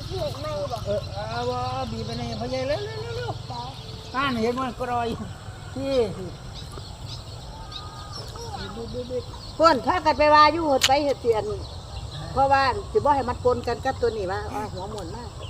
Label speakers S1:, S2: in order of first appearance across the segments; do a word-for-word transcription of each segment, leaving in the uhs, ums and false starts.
S1: เออเอาว่าบีบไปในพยายเร็วเร็วเร็วอ่านเห็นมันกรอยที่
S2: เพื่อนถ้ากันไปว่าอยู่หดไปเห็ดเสียนเพราะว่าสิบ่ให้มันปนกันกับตัวนี้ว่าหัวหมุนมาก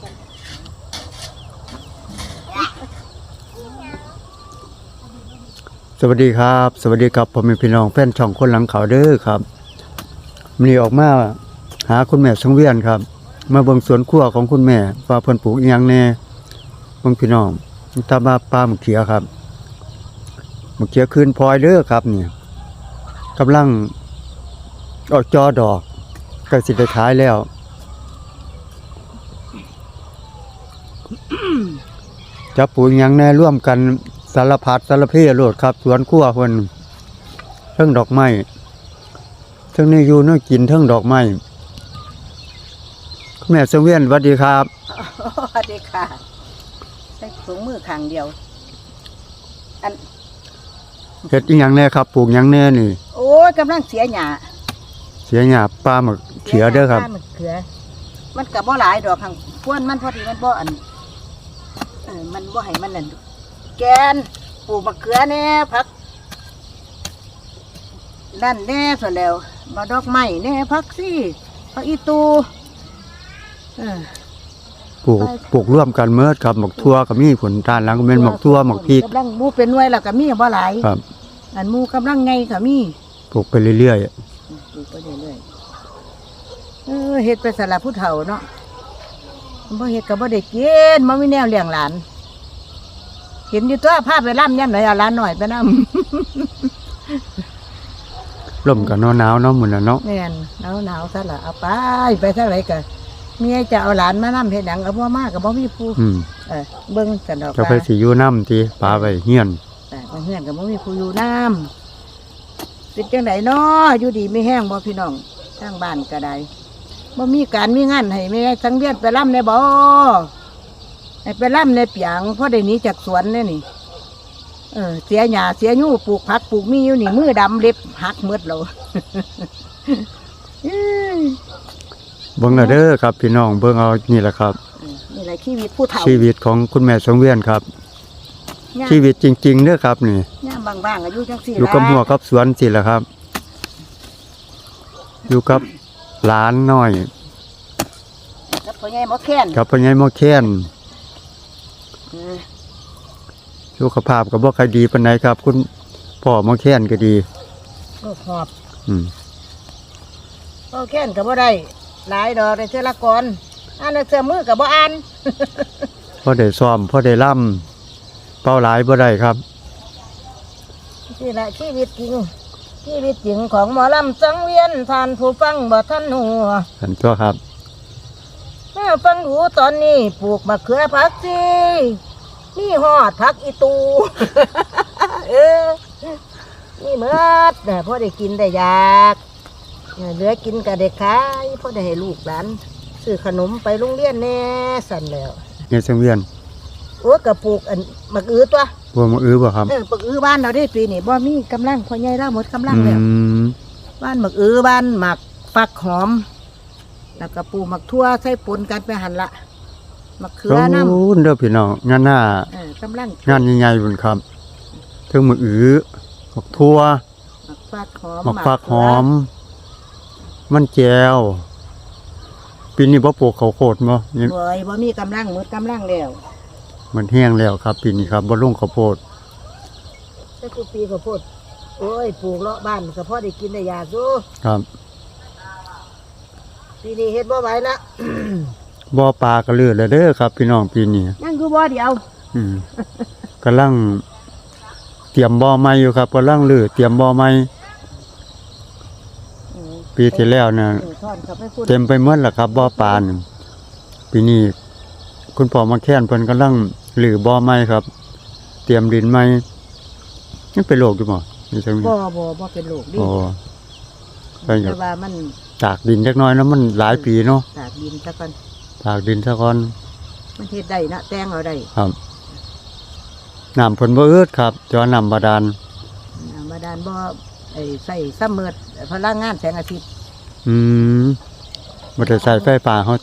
S3: สวัสดีครับสวัสดีครับผมเป็นพี่น้องแฟนช่องคนหลังเขาเด้อครับมีออกมาหาคุณแม่สังเวียนครับมาเบิ่งสวนครัวของคุณแม่ว่าเพิ่นปลูกอีหยังแน่เบิ่งพี่น้องตามาปลามะเขือครับมะเขือคืนพลอยเด้อครับนี่กำลังออกจอดอกใกล้สิได้ขายแล้วจะปลูกอีหยังแน่ร่วมกันสารพัดสารเพโลดครับสวนครัวเพิ่นเทิงดอกไม้เทิงนี่อยู่เนาะกินเทิงดอกไม้คุณแม่สังเวียนสวัสดีครับ
S2: สวัสดีค่ะใส่ถุงมือข้างเดียวอัน
S3: เฮ็ดอีหยังแน่ครับปลูกหยังแน่นี่
S2: โอ้ยกำลังเสียหญ้า
S3: เสียหญ้าปลามะเขือเด้อครับ
S2: ปลามะเขือมันก็บ่หลายดอกหั่งพวนมันพอดีมันบ่อันเออมันบ่ให้มันนั่นแกนปลูกมะเขือแน่ผักนั่นแน่ส่วนแล้วมาดอกไม้แน่ผักซี่ผักอีตูเออ
S3: ปลูกปลูกร่วมกันเมิดครับหมกทั่วก็มีผลทานหลังก็เป็นหมกทั่วหมกพริก
S2: กำลังหมู่เป็นหน่วยแล้วก็มีบ่หลาย
S3: ครับ
S2: อันหมู่กำลังไงก็มี
S3: ปลูกไปเรื่อย
S2: ๆปลูกไปเรื่อยๆเออเฮ็ดไปสำหรับผู้เฒ่าเนาะบ่เฮ็ดก็บ่ได้กินบ่มีแนวเลี้ยงหลานเห็นอยู่ตัวภาพไปล่ำย่ำไหนเอาหลานหน่อยไปน
S3: ำลมกับหนาวๆเนาะมื้อนั้นเนาะ
S2: แม่นหนาวๆซะล่ะเอาไปไปซะไหนก็เมียจะเอาหลานมานำเฮ็ดหยังเอาบ่มาก็บ่มีผู้
S3: อืม
S2: เออเบิ่งกันดอก
S3: จะไปสิอยู่นำติปาไว้เฮียน
S2: แต่เฮือนก็บ่มีผู้อยู่นำเป็นจังได๋น้ออยู่ดีไม่แห้งบ่พี่น้องทางบ้านก็ได้บ่มีการมีงานให้แม่สังเวียนไปล่ำได้บ่ให้ไปล่ำในเปียงเพราะได้หนีจากสวนเนี่ยนี่เออเสียหญ้าเสียยู่ปลูกผักปลูกมีอยู่นี่มือดำเล็บหักหมดแล้ว
S3: เบิ่งเด้อครับพี่น้องเบิ่งเอานี่แหละครับ
S2: นี่แหละชีวิตผู้เฒ่า
S3: ชีวิตของคุณแม่สังเวียนครับชีวิตจริงๆเด้อครับนี่
S2: ย่ามบางๆอายุจังสี่
S3: อยู่กับหัวกับสวนสิล่ะครับอยู่กับหลานน้อย
S2: กับพ่อใหญ่หมอแค้น
S3: กับพ่อใหญ่หมอแค้นสุขภาพก็บ่ค่อยดีปานใดครับคุณพ่อหมอแค้นก็ดี
S2: โรคหอบ
S3: อืม
S2: หมอแค้นก็บ่ได้หลายดอกได้เทื่อละก่อนอ่านเสื้อมือก็บ่อ่าน
S3: พอได้ซ้อมพอได้ล่ำเป้าหลายบ่ได้ครับ
S2: นี่แหละชีวิตจริงชีวิตจริงของหมอลำสังเวียนท่านผู้ฟังบ่ทันหัว
S3: ท่านตัวครับ
S2: ฟังหูตอนนี้ปลูกมะเขือผักชีนี่ฮอดผักอีตูเออนี่เมื่อเนี่ยพ่อได้กินได้อยากเหลือกินกับเด็กขายพ่อได้ให้ลูกหลานซื้อขนมไปโรงเรียนแน่สั่นแล้ว
S3: เนี่ยสังเวียน
S2: โอ้กระปลูกอันมะอื้อตัว
S3: บัวมะอื้อบ่ครับ
S2: เออมะอื้อบ้านเราได้ปีนี้บ่มีกำลังพ่อใหญ่เราหมดกำลังแล้วบ้านมะอื้อบ้านหมักฟักหอมแล้วก็ปลูกหมักทั่วใส่ปนกันไปหั่นละมะเขือน้ำ
S3: โอ้เด้อพี่น้องงานหน้า
S2: เออกำลัง
S3: งานใหญ่ๆพุ่นครับถึงมะอื้อหมักทั่ว
S2: หมักฟักหอม
S3: หมักฟักหอมมันแก้วปีนี้บ่ปลูกข้าวโพดบ่
S2: นี่บ่บ่มีกำลังหมดกำลังแล้ว
S3: มันแห้งแล้วครับปีนี้ครับบ่ลงข้าวโพด
S2: แต่ทุกปีข้าวโพดโอ้ยปลูกเลาะบ้านก็พอได้กินได้ยากอยู่
S3: ครับ
S2: ปีนี้เฮ็ดบ่ไหวละ
S3: บ่ปลาก็เลือดแล้วเด้อครับพี่น้องปีนี้
S2: ยังคือบ่เดียว
S3: อืมกำลังเตรียมบ่อใหม่อยู่ครับกำลังลือเตรียมบ่อใหม่ปีที่แล้วน่ะเต็มไปหมดแล้วครับบ่อปลานี่ปีนี้คุณพ่อมาแค้นเพิ่นกำลังลือบ่อใหม่ครับเตรียมดินใหม่มันเป็นโรคอยู่บ่นี่จัง
S2: บ่บ่บ่เป็นโรคดิ
S3: อ๋อ
S2: แต่ว่ามัน
S3: ตากดินจักหน่อยแล้วมันหลายปีเนาะ
S2: ตากดินซะก่อน
S3: ตากดินซะก่อน
S2: มันเฮ็ดได้นะแตงเอาได้
S3: ครับน้ำเพิ่นบ่อึดครับจอน้ำบาดาล
S2: น้ำบาดาลบ่ไอ้ใส่ซัมเมอร์พลังงานแสงอาทิตย์
S3: อืมบ่ได้ใส่ไฟฟ้าเฮาตัวนี้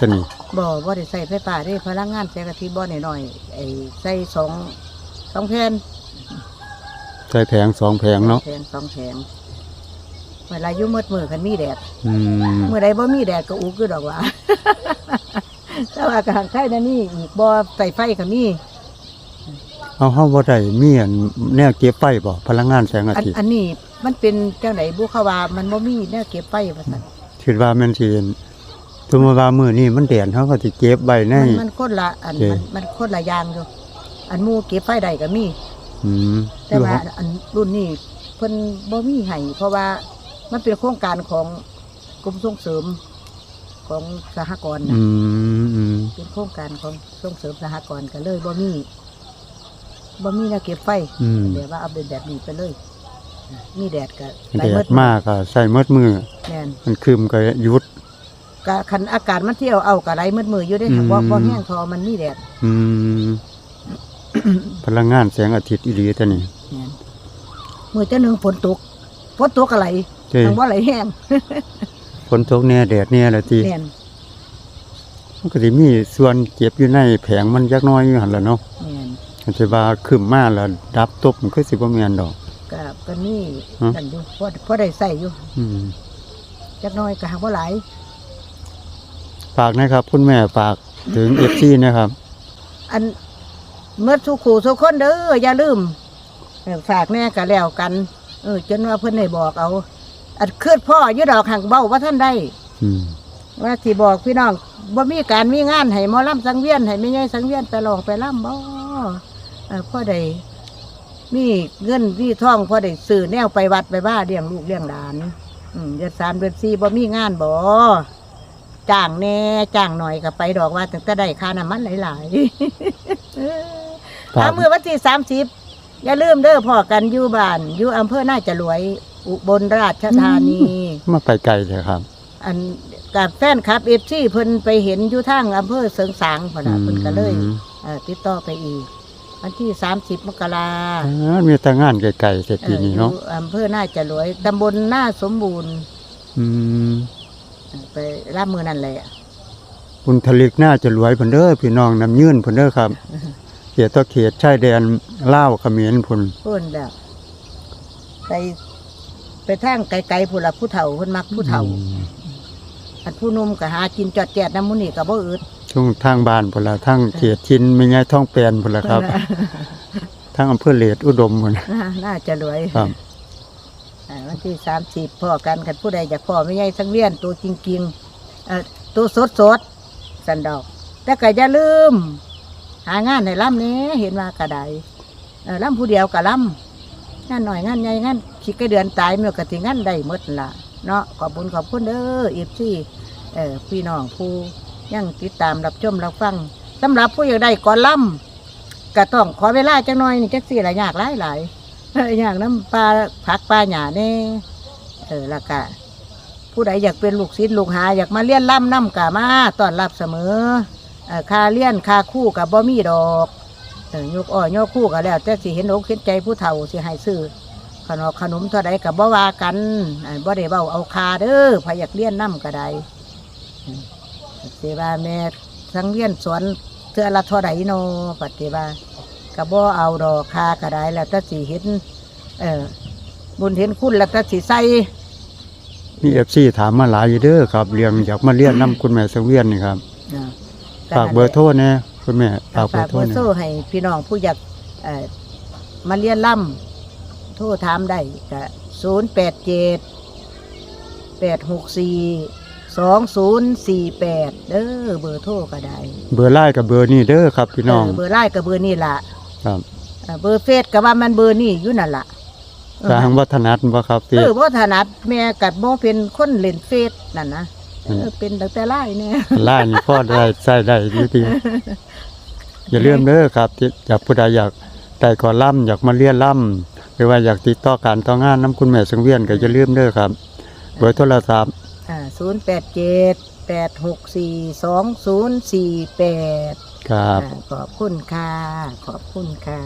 S2: บ่บ่ได้ใส่ไฟฟ้าเด้พลังงานแสงอาทิตย์บ่น้อยๆไอ้ใส่สองสองแผ่น
S3: ใส่แผงสองแผงเนาะ
S2: แผงสองแผงเวลาอยู่มืดมือคันมีแดด
S3: อืม
S2: เมื่อใดบ่มีแดดก็อุกคือดอกว่า แต่ว่ากลางไข่นั่นนี่อีกบ่ใส่ไฟก็มี
S3: เอาเฮาบ่ได้มีอันแนวเก็บไฟบ่พลังงานแสงอา
S2: อัน
S3: ทิตย์
S2: อันนี้มันเป็นจังไดบุเขาว่ามันบ่มีแนวเก็บไฟว่าซั่น
S3: คิดว่าแม่นสิสมมุติว่ามื้อนี้มันแดดเฮาก็สิเก็บไว้ใน
S2: มันมันคนละอัน
S3: โอเค
S2: มันมันคนละอย่างอยู่อันหมู่เก็บไฟได้ก็มี
S3: อืม
S2: แต่ว่าอันรุ่นนี้เพิ่นบ่มีให้เพราะว่ามันเป็นโครงการของกรมส่งเสริมของสหกรณ์
S3: อื
S2: นะ
S3: มอืม
S2: เป็นโครงการของส่งเสริมสหกรณ์ก็เลยบ่มีบ่มีแนวเก็บไฟ
S3: อืม
S2: เดี๋ยวว่าเอาเป็นแบบนี้ไปเลย มีแดดก็
S3: แดดมากก็ใส่หมดมือ
S2: แม่น
S3: มันครึมก็หยุด
S2: ก็คันอากาศมันเที่ยวเอาก็ไหลมืดมืออยู่ได้ค่ะ
S3: อืม
S2: บ่บ่แห้งพอมันมีแดด
S3: อืม พลังงานแสงอาทิตย์อีหลีตัวนี้
S2: แม่นมื้อจังหนึงฝนตกฝนตกก็ไหล
S3: เจ้
S2: ทางบ่ไหลแห้ง
S3: ฝนตกแน่แดดแน่ละติ
S2: แม่น
S3: มันก็สิมีส่วนเก็บอยู่ในแผงมันจักหน้อยอยู่หั่นล่ะเนาะ
S2: แม่น
S3: อันสิว่าครึมมาแล้วดับตบมันคือสิบ่แม่นดอก
S2: ก็ก็นี่
S3: ฮะ
S2: กันอยู่พอพอได้ใส่อยู่
S3: อืม
S2: จักหน้อยก็หาบ่หลาย
S3: ฝากนะครับคุณแม่ฝากถึง เอฟ ซี นะครับ
S2: อันเมื่อทุกคู่ทุกคนเด้ออย่าลืมเออฝากแน่ก็แล้วกัน เออจนว่าเพิ่นได้บอกเอา อันคืดพ่ออยู่ดอกหังเบ้าว่าท่านได้
S3: อืม
S2: ว่าสิบอกพี่น้องบ่มีการมีงานให้หมอลำสังเวียนให้แม่ใหญ่สังเวียนไปร้องไปล่ำบ่เออพ่อได้มีเงินมีทองพ่อได้ซื้อแนวไปวัดไปบ้าเลี้ยงลูกเลี้ยงหลานอืมเดือนสามเดือนสี่บ่มีงานบ่จ้างแน่จ้างหน่อยก็ไปดอกว่าตั้งแต่ได้ค่าน้ำมันหลายๆ
S3: ฝาก
S2: ถ้ามือวันที่สามสิบอย่าลืมเด้อพ่อกันอยู่บ้านอยู่อำเภอน่าจะรวย อุบลราชธานี
S3: มาไปไกลเลยครับ
S2: อันกับแฟนคลับเอฟซีเพิ่นไปเห็นอยู่ทางอำเภอเสริงสางพุ่นน่ะเพิ่นก็เลย
S3: อืม
S2: เอ่อติดต่อไปอีก วันที่สามสิบมกรา
S3: อ่ามีแต่งานไกลๆแต่
S2: เอ่
S3: ปี
S2: ออ
S3: นี้เนาะ
S2: ยู่อำเภอน่าจะรวยตำบลน่าสมบูรณ์
S3: อืม
S2: เอ่อไปรับมือนั่นแหละ
S3: คุณทลิกน่าจะรวยเพิ่นเด้อพี่น้องน้ำยื่นเพิ่นเด้อครับ เขตต่อเขตชายแดนลาวเขมรพุ่น
S2: เพิ่นแบบไปไปทางไกลๆผู้ละผู้เฒ่าเพิ่นมักผู้เฒ่า
S3: อืม
S2: อันผู้หนุ่มก็หากินจอดแจดน้ำมุนี่ก็บ่อึด
S3: ช่วงทางบ้านพุ่นละทางเขตชินแม่ยายท้องแปลนพุ่นละครับ ทางอำเภอเลดอุดมพุ่น
S2: น่าน่าจะรวย
S3: ครับ
S2: อ่าวันที่สามสิบพ่อกันกันผู้ใดอยากพ่อไม่ใหญ่สังเวียนตัวจริงๆเอ่อตัวสดสดๆสันดอก แต่ก็อย่าลืม หางานให้ล่ำนี้เห็นว่ากระไดเออล่ำผู้เดียวกับล่ำงานหน่อยงานใหญ่งานคิดกระเดือนตายเมื่อกติงานได้หมดล่ะเนาะขอบคุณขอบคุณเด้อเอฟซีเออพี่น้องผู้ยังติดตามรับชมรับฟังสำหรับผู้อยากได้ก่อนล่ำก็ต้องขอเวลาจังหน่อยนี่จักสี่หลายยากหลายหลายๆเอออย่างน้ำปลาผักปลาหยาเน่เออและกะผู้ใดอยากเป็นลูกศิษย์ลูกหาอยากมาเลี้ยนล่ำน้ำกะมาต้อนรับเสมอเออค่าเลี้ยนค่าคู่กับบ่มีดอกเออยกอ้อยกคู่ก็แล้ว แต่สิเห็นอกเห็นใจผู้เฒ่าสิให้ซื้อขนมขนมเท่าใดกับบ่ว่ากันเออบ่ได้เบ้าเอาคาเด้อพอยากเลี้ยนน้ำก็ได้อืมเสว่าแม่สังเวียนสวนเทื่อละเท่าใดโนปฏิบัติก็บ่เอาดอกคาก็ได้แล้วแต่สิเห็นเออบุญเห็นคุณแล้วแต่สิใส่
S3: มี เอฟ ซี ถามมาหลายอยู่เด้อครับเรื่องอยากมาเรียนนํคุณแม่สังเวียนนี่ครับ
S2: อ่า
S3: ฝากเบอร์โทรแน่คุณแม่ฝากเบอ
S2: ฝาก
S3: ร์โท
S2: เบ
S3: ร
S2: อร์
S3: แน่
S2: โซ่ให้พี่น้องผู้อยากเอ่อมาเรียนล่ำโทรถามได้ก็ศูนย์แปดเจ็ดแปดหกสี่สองศูนย์สี่แปดเด้อเบอร์โทรก็ได้
S3: เบอร์ไลน์กับเบอร์นี้เด้อครับพี่น้อง
S2: เออเบอร์ไลน์กับเบอร์นี่ล่ะ
S3: ครับ
S2: เออเบอร์เฟซก็ว่ามันเบอร์นี่อยู่นั่นล่ะเออ
S3: ทางวัฒนัทบ่ครับ
S2: เอ
S3: พี่
S2: อบ่ถนัดแม่กัดบ่เป็นคนเล่นเฟซนั่นนะเออ
S3: อืม
S2: เป็นตั้งแต่ไล่เนี่ย
S3: ไลน์นี่พอได้ใช้ได้ดีทีอย่าลืมเด้อครับที่อยากผู้ใดอยากแต่ก่อนล่ำอยากมาเรียนล่ำหรือว่าอยากติดต่อการต่องานน้ำคุณแม่สังเวียนก็อย่าลืมเด้อครับเบอร์โทรศัพท์
S2: อ่าศูนย์แปดเจ็ดแปดหกสี่สองศูนย์สี่แปด
S3: ครับ
S2: ขอบคุณค่ะ ขอบคุณค่ะ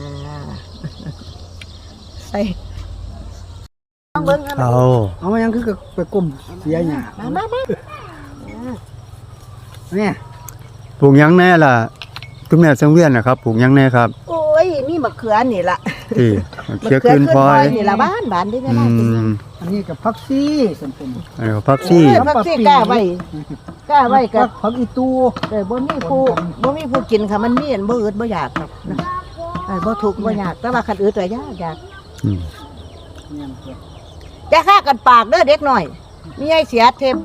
S2: ใส่ต้องเบิ้งกัน
S3: เอา
S1: เอามายังคือไปกลุ่มเสียหยา
S2: มามามา
S1: เนี่ย
S3: ปลูกหยังแน่ล่ะคุณแม่สังเวียนนะครับปลูกหยังแน่ครับ
S2: โอ้ยมีมะเขือนี่ล่ะ
S3: ที่
S2: มะ
S3: เขียว
S2: เขือ
S3: ขึ้น
S2: ขึ้น
S3: พล
S2: พล
S3: อ
S2: อย ยนี่ล่ะบ้านบ้านที่แม่
S3: อื
S2: บ้านกิน
S3: ม
S1: อันนี้กับพักซี่ส่วนเป็น
S3: อันนี้ก็พักซี่
S2: เออพักซี่กล้าไว้กล้าไว้กับ
S1: พักอีตู
S2: เออบ่มีผู้บ่มีผู้กินค่ะมันมีอันบ่อึดบ่อยากครับนะเออบ่ทุกข์บ่ยากแต่ว่าคันอึดก็ยากยาก
S3: อืม
S1: เนี่ยมันเป็น
S2: อย่าฆ่ากันปากเด้อเด็กน้อยมีไอ้เสียเทม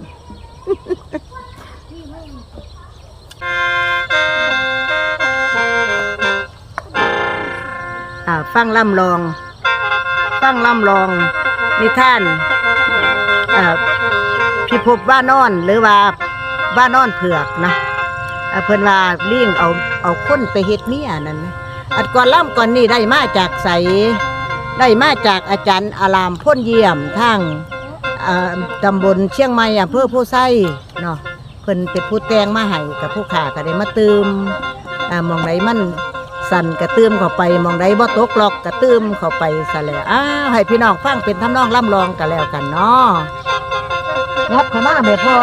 S2: อ่าฟังล่ำลอง ฟังล่ำลองนิทานอ่าพิภพว่านอนหรือว่าว่านอนเผือกนะอ่าเพิ่นว่าเลี้ยงเอาเอาคนไปเฮ็ดเมียนั่นนะอัดก่อนล่ำก่อนนี่ได้มาจากใสได้มาจากอาจารย์อารามพ้นเยี่ยมทางอ่าตำบลเชียงใหม่อำเภอผู้ไส้เนาะเพิ่นเป็นผู้แต่งมาให้กับผู้ขาก็ได้มาตืมอ่ามองไหนมัน สั่นกระตื้มเข้าไปมองใดบ่ตกหลอกกระตื้มเข้าไปซะแล้วอ้าวให้พี่น้องฟังเป็นทำนองล่ำลองกันแล้วกันเนาะงับเข้ามาแม่พ่อ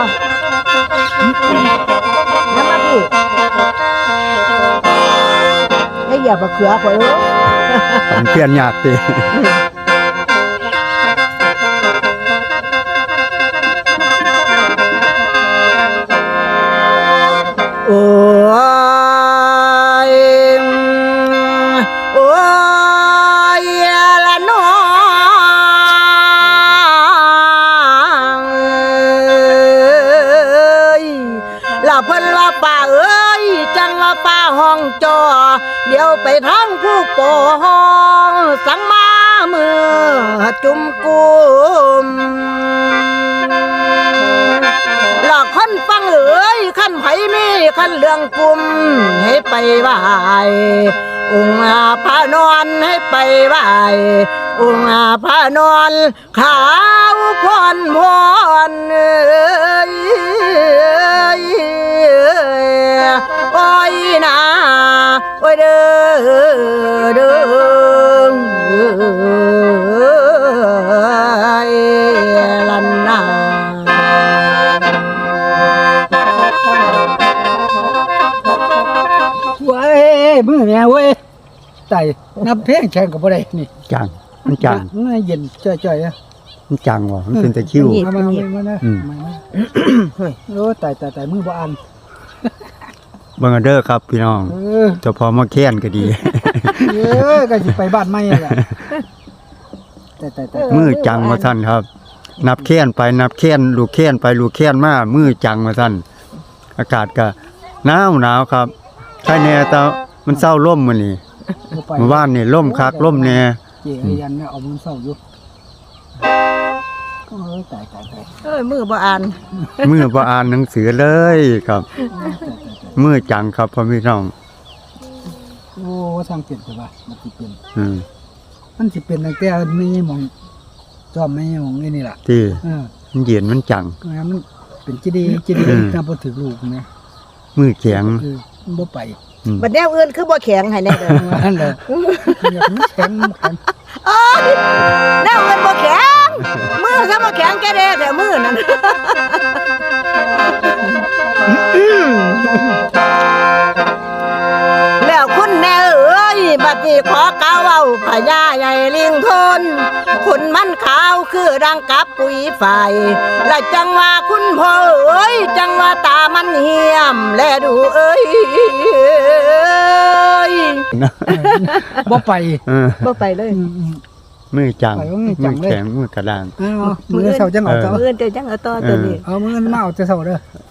S2: งับมาพี่ไอ้อย่าบะเขือข่อยเอ้ย
S3: ปันเพี้ยนยากติ
S2: โอ้ยโอ้ยละน้องเอ้ยละเพิ่นว่าป่าเอ้ยจังว่าป่าห้องจอเดี๋ยวไปทางผู้ปองสังมามือจุ่มกุมหลอกคนฟังเอ๋ยขั้นไผมีขั้นเรื่องกลุ่มให้ไปไหวองค์อาพานอนให้ไปไหวองค์อาพานอนขาวพรพรเอ้ยโอ้ยนาโอ้ยเด้อเด้อลันนา
S1: เว้ยมือแม่เว้ยไต่นับเพลงแข่งกับบ่ได้นี่
S3: จังมันจัง
S1: มันเย็นจ่อยๆอ่ะ
S3: มันจังว่ะมันเป็นตะคริว
S1: มามามานะ
S3: อืม
S1: มานะโอ้ตายตายตายมือบ่อัน
S3: เบิ่งเอาเด้อครับพี่น้อง
S1: เออ
S3: เจ้าพอมาแค้นก็ดี
S1: เออก็สิไปบ้านใหม่แหละตายตายตาย
S3: มือจังว่าซั่นครับ นับแค้นไปนับแค้นลูกแค้นไปลูกแค้นมามือจังว่าซั่นอากาศก็หนาวหนาวครับใช่แน่แต่มันเศร้าล่มมื้อนี้
S1: บ่ไป
S3: เมื่อวานนี่ล่มคักล่มแน่
S1: เจ๊ไอ้ยันเนี่ยเอามือเศร้าอยู่โอ้ยตายตายตาย
S2: เอ้ยมือบ่อ่าน
S3: มือบ่อ่านหนังสือเลยครับ มือจังครับพ่อพี่น้อง
S1: โอ้ทางเปลี่ยนแต่ว่ามันสิเป็น
S3: อืม
S1: มันสิเป็นตั้งแต่มีหมองจอมไม่หมองนี่นี่ล่ะ
S3: ที่
S1: เออ
S3: มันเย็นมันจัง
S1: มันเป็นจีดีจีดี
S3: อืม
S1: ถ้าบ่ถึงลูกนะ
S3: มือแข็ง
S1: คือมันบ่ไป
S3: อืม
S2: บัดแนวอื่นคือบ่แข็งให้แน่เด้อ
S1: นั่นแหละอยากมันแข็งมันแข็ง
S2: โอ้ยแนวอื่นบ่แข็งมือซะบ่แข็งแกเด้แต่มือนั่น แล้วคุณแน่เอ้ยบัดนี้ขอกล่าวเว้าพญาใหญ่ลิงทนคุณมันขาวคือดังกับปุ๋ยไฟและจังว่าคุณพ่อเอ้ยจังว่าตามันเหี่ยมแลดูเอ้ย
S1: บ่ไป
S3: เออ
S2: บ่ไปเลย
S1: อืมอืม
S3: มือจัง
S1: ไปว่ามือจั
S3: มื
S1: ง
S3: อ
S1: เลย
S3: แข็งมือกระด้าง
S1: เอามือเสาจังเอาเสา
S2: มือเดียวจังเอาต่อตัวนี้
S1: เอามือมาเอาแต่เสาเด้อ